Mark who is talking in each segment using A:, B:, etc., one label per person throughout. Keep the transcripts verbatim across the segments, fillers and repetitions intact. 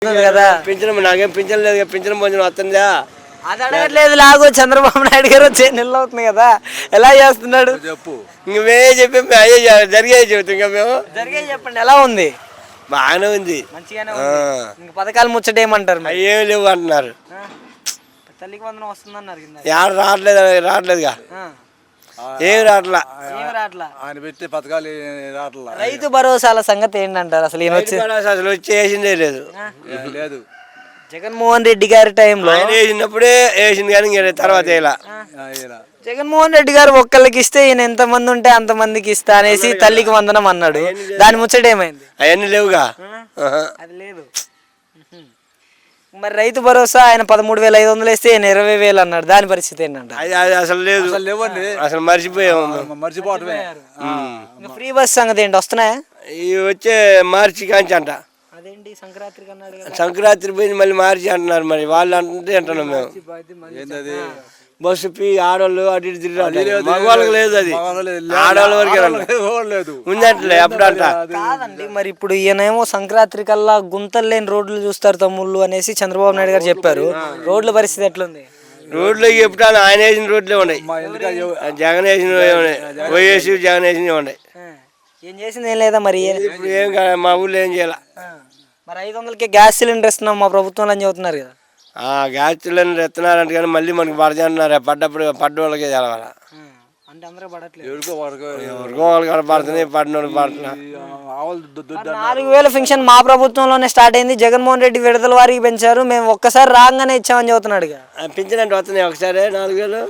A: కదా
B: పింఛన్ నాకేం పింఛన్ లేదు, పింఛన్ భోజనం వస్తుందా?
A: అది అడగట్లేదు. లాగో చంద్రబాబు నాయుడు గారు వచ్చే నెల అవుతుంది కదా, ఎలా చేస్తున్నాడు
B: చెప్పు. ఇంక మేమే చెప్పి అయ్యే జరిగే చెబుతాం. ఇంకా మేము
A: జరిగే చెప్పండి, ఎలా ఉంది?
B: బాగానే ఉంది,
A: మంచిగానే ఉంది. ఇంక పథకాలు ముచ్చట ఏమంటారు?
B: ఏం లేవు అంటున్నారు.
A: తల్లికి వందనం వస్తుందన్నారు,
B: ఎవరు రావట్లేదు, రావట్లేదుగా, ఏం రావట్లా.
C: ఆయన పెట్టే పథకాలు రావట్లా.
A: రైతు భరోసాల సంగతి ఏంటంటారు? అసలు ఈయన వచ్చి
B: అసలు వచ్చి వేసిందే లేదు
C: లేదు.
A: జగన్మోహన్ రెడ్డి గారి టైంలో
B: వేసినప్పుడే వేసింది కానీ ఇంకా తర్వాత ఇలా
A: జగన్మోహన్ రెడ్డి గారు ఒక్కళ్ళకి ఇస్తే ఈయన ఎంత మంది ఉంటే అంత మందికి ఇస్తా అనేసి తల్లికి వందనం అన్నాడు. దాని ముచ్చట ఏమైంది?
B: అవన్నీ లేవుగా,
A: అది లేదు. మరి రైతు భరోసా ఆయన పదమూడు వేల ఐదు వందలు వేస్తే ఈయన ఇరవై వేలు అన్నాడు, దాని పరిస్థితి ఏంటంట?
B: అది అసలు లేదు,
C: అసలు లేవండి,
B: అసలు మర్చిపోయాము.
C: మర్చిపోవటమే.
A: ఫ్రీ బస్ సంగతి ఏంటి, వస్తున్నాయా?
B: ఇవి వచ్చే మార్చి కాంచి అంట.
A: అదేంటి సంక్రాంతికి అన్నాడు,
B: సంక్రాంతి పోయింది మళ్ళీ మార్చి అంటున్నారు. మరి వాళ్ళు అంటే అంటున్నాం మేము.
C: ఏంటది
B: బస్సు పీ ఆడవాళ్ళు అటు ఇటు తిరిగి మగవాళ్ళకి లేదు, అది ఆడవాళ్ళ వరకే
C: లేదు
B: ఉందంటలే అప్పుడు అంట.
A: కాదండి, మరి ఇప్పుడు ఈయనేమో సంక్రాంతి కల్లా గుంతలు లేని రోడ్లు చూస్తారు తమ్ముళ్ళు అనేసి చంద్రబాబు నాయుడు గారు చెప్పారు. రోడ్ల పరిస్థితి ఎట్లుంది?
B: రోడ్లు చెప్తాను, ఆయన వేసిన రోడ్లే ఉన్నాయి, జగన్ వేసిన ఉన్నాయి, వైఎస్ జగన్ వేసినవి ఉన్నాయి.
A: ఏం చేసింది ఏం లేదా మరి?
B: ఇప్పుడు ఏం కాదు, మా ఊళ్ళో ఏం చేయాల.
A: మరి ఐదు వందలకి గ్యాస్ సిలిండర్ ఇస్తున్నాం మా ప్రభుత్వంలో అని చెబుతున్నారు కదా.
B: గ్యాస్ సిలిండర్ ఎత్తున్నారంటే కానీ మళ్ళీ మనకి పడతా అంటున్నారు. పడ్డప్పుడు పడ్డ వాళ్ళకే తెలవాల,
A: అంటే అందరూ పడట్లేదు.
B: ఎవరికో వాళ్ళకి పడుతున్నాయి, పడిన వాళ్ళకి పడుతున్నా.
A: నాలుగు వేల పెన్షన్ మా ప్రభుత్వంలోనే స్టార్ట్ అయింది, జగన్మోహన్ రెడ్డి విడుదల వారికి పెంచారు, మేము ఒక్కసారి రాగానే ఇచ్చామని చెబుతున్నాడు.
B: పింఛన్ అంటే వస్తున్నాయి ఒకసారి నాలుగు వేలు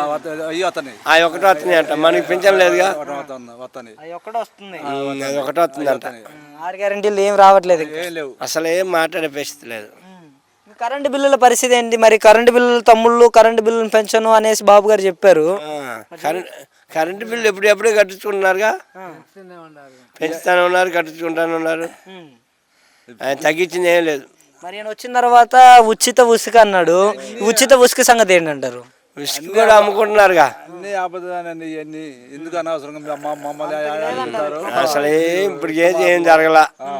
B: అవి ఒకటి వస్తున్నాయి అంట, మనకి పింఛన్ లేదుగా,
A: అది ఒకటి వస్తుంది,
B: అది ఒకటి వస్తుంది అంట.
A: ఆరు గ్యారెంటీలు ఏం రావట్లేదు,
B: అసలు ఏం మాట్లాడే పరిస్థితి లేదు.
A: కరెంటు బిల్లుల పరిస్థితి ఏంటి మరి? కరెంటు బిల్లులు తమ్ముళ్ళు కరెంటు బిల్లులు పెంచను అనేసి బాబు గారు చెప్పారు.
B: కరెంట్ కరెంటు బిల్లు ఎప్పుడు ఎప్పుడే కట్టించుకుంటున్నారుగా, పెంచుతానే ఉన్నారు, కట్టించుకుంటానే ఉన్నారు, ఆయన తగ్గించింది ఏం లేదు.
A: మరి ఆయన వచ్చిన తర్వాత ఉచిత ఉసుక అన్నాడు, ఉచిత ఉసుక సంగతి ఏంటంటారు?
B: ఉసుక కూడా అమ్ముకుంటున్నారుగా.
C: ఎందుకు అనవసరంగా
B: అసలు ఏం ఇప్పుడు ఏం ఏం జరగల,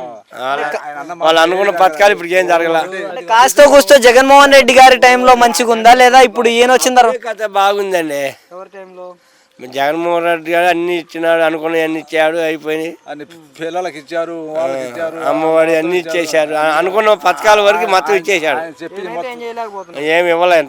B: వాళ్ళు అనుకున్న పథకాలు ఇప్పుడు ఏం జరగల.
A: కాస్తో కూస్తో జగన్మోహన్ రెడ్డి గారి టైంలో మంచిగా ఉందా లేదా ఇప్పుడు ఈయన వచ్చిన తర్వాత?
B: కథ బాగుందండి.
A: ఎవరి టైంలో?
B: జగన్మోహన్ రెడ్డి గారు అన్ని ఇచ్చినాడు, అనుకున్న అన్ని ఇచ్చాడు, అయిపోయినాయి.
C: అన్ని పిల్లలకి ఇచ్చారు, వాళ్ళకి ఇచ్చారు,
B: అమ్మఒడి అన్ని ఇచ్చేసారు, అనుకున్న పథకాల వరకు మొత్తం ఇచ్చేసాడు, ఏమి ఇవ్వలేదు.